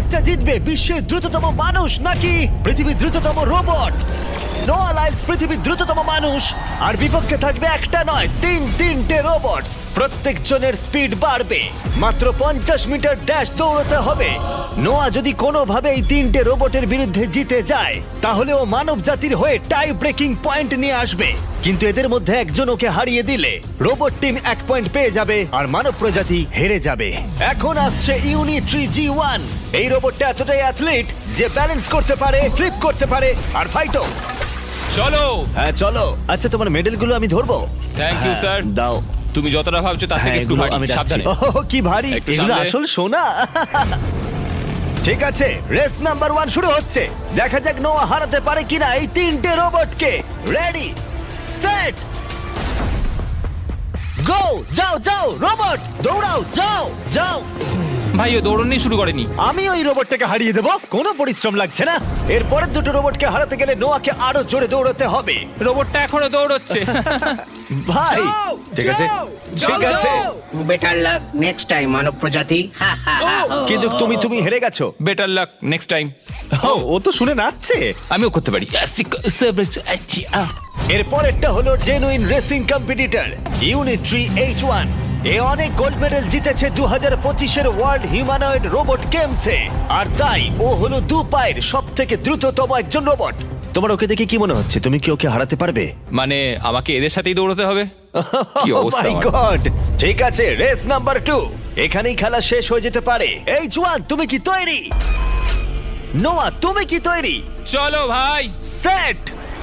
রেসটা জিতবে বিশ্বের দ্রুততম মানুষ নাকি পৃথিবীর দ্রুততম রোবট? নোয়া লাইলস পৃথিবীর দ্রুততম মানুষ, আর বিপক্ষে থাকবে একটা নয় তিনটে রোবট। প্রত্যেকজনের স্পিড বাড়বে। মাত্র 50 মিটার ড্যাশ দৌড়তে হবে। নোয়া যদি কোনোভাবে এই তিনটে রোবটের বিরুদ্ধে জিতে যায়, তাহলে ও মানব জাতির হয়ে টাই ব্রেকিং পয়েন্ট নিয়ে আসবে। কিন্তু এদের মধ্যে একজন ওকে হারিয়ে দিলে রোবট টিম 1 পয়েন্ট পেয়ে যাবে আর মানব প্রজাতি হেরে যাবে। এখন আসছে ইউনিট্রি G1। এই রোবটটা এতটাই অ্যাথলিট যে ব্যালেন্স করতে পারে, ফ্লিপ করতে পারে আর ফাইটও। চলো। হ্যাঁ চলো। আচ্ছা, তোমার মেডেলগুলো আমি ধরবো? Thank you, হ্যাঁ, sir. দাও। তুমি যতটা ভাবছো তার থেকে হ্যাঁ, একটু এগুলো ভারী। আমি রাখছি। সাবধানে। ওহ, কি ভারী! একটু এগুলো সামলে। আসল সোনা। ঠিক আছে, রেস নাম্বার 1 শুরু হচ্ছে। দেখা যাক নোয়া হারাতে পারে কিনা এই তিনটে রোবটকে। Ready, set, go! যাও যাও রোবট, দৌড়াও, যাও যাও। ভাই ও দৌড়নি শুরু করেনি। আমি ওই রোবটটাকে হারিয়ে দেবো, কোনো পরিশ্রম লাগছে না। এর পরের দুটো রোবটকে হারাতে গেলে নোয়াকে আরো জোরে দৌড়াতে হবে। রোবটটা এখনো দৌড়চ্ছে। ভাই যাও, ঠিক আছে, যাও, ঠিক যাও, আছে, যাও। বেটার লাক নেক্সট টাইম মানব প্রজাতি। হা হা হা। কিন্তু তুমি হেরে গেছো। Better luck next time. ও তো শুনে নাচছে। আমিও করতে পারি। এর পরেরটা হলো genuine racing competitor Unitree H1। এ অনেক গোল্ড মেডেল জিতেছে 2025-এর ওয়ার্ল্ড হিউম্যানয়েড রোবট গেমসে, আর তাই ও হলো 2 পায়ের সবথেকে দ্রুততম একজন রোবট। তোমার ওকে দেখে কি মনে হচ্ছে? তুমি কি ওকে হারাতে পারবে? মানে আমাকে এদের সাথেই দৌড়তে হবে? কি অবস্থা মাই আমার। গড! ঠিক আছে, রেস নাম্বার 2। এখানেই খেলা শেষ হয়ে যেতে পারে। H1, তুমি কি তৈরি? নোয়া, তুমি কি তৈরি? চলো ভাই। সেট,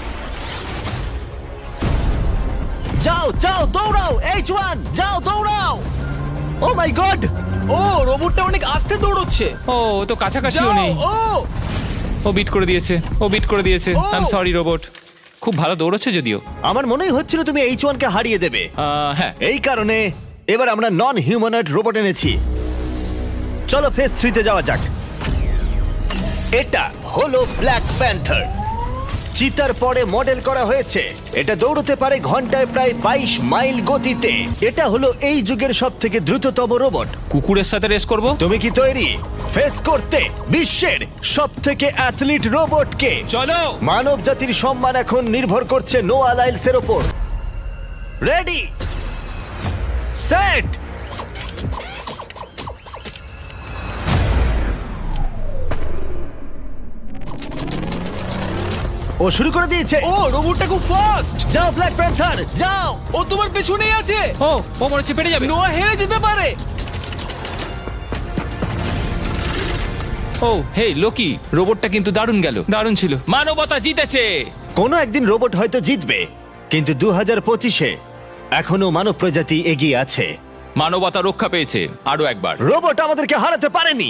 যাও যাও দৌড়াও। H1, যাও দৌড়াও। ও মাই গড! ও রোবটটা অনেক আস্তে দৌড়চ্ছে। ও ও তো কাছাকাছিও যাও, নেই। ও বিট করে দিয়েছে। Oh! I am sorry robot. খুব ভালো দৌড়চ্ছে যদিও। আমার মনেই হচ্ছিল তুমি H1 কে হারিয়ে দেবে। হ্যাঁ। এই কারণে এবার আমরা নন হিউম্যানয়েড রোবট এনেছি। চলো ফেজ 3 তে যাওয়া যাক। এটা হলো ব্ল্যাক প্যান্থার। চিতার পরে মডেল করা হয়েছে। এটা দৌড়তে পারে ঘন্টায় প্রায় 22 মাইল গতিতে। এটা হলো এই যুগের সবথেকে দ্রুততম রোবট। কুকুরের সাথে রেস করব। তুমি কি তৈরি ফেস করতে বিশ্বের সবথেকে অ্যাথলিট রোবটকে? চলো। মানব জাতির সম্মান এখন নির্ভর করছে নোয়া লাইলসের ওপর। রেডি, সেট, ও শুরু করে দিয়েছে। ও রোবটটা খুব ফাস্ট। যাও ব্ল্যাক প্যান্থার, যাও। ও তোমার পেছনেই আছে। ও ও মনে হচ্ছে পেরে যাবে। নোয়া হেরে যেতে পারে। ও হে লোকি, রোবটটা কিন্তু দারুণ গেল। দারুণ ছিল। মানবতা জিতেছে। কোনো একদিন রোবট হয়তো জিতবে, কিন্তু 2025-এ এখনো মানব প্রজাতি এগিয়ে আছে। মানবতা রক্ষা পেয়েছে আরো একবার। রোবট আমাদেরকে হারাতে পারেনি।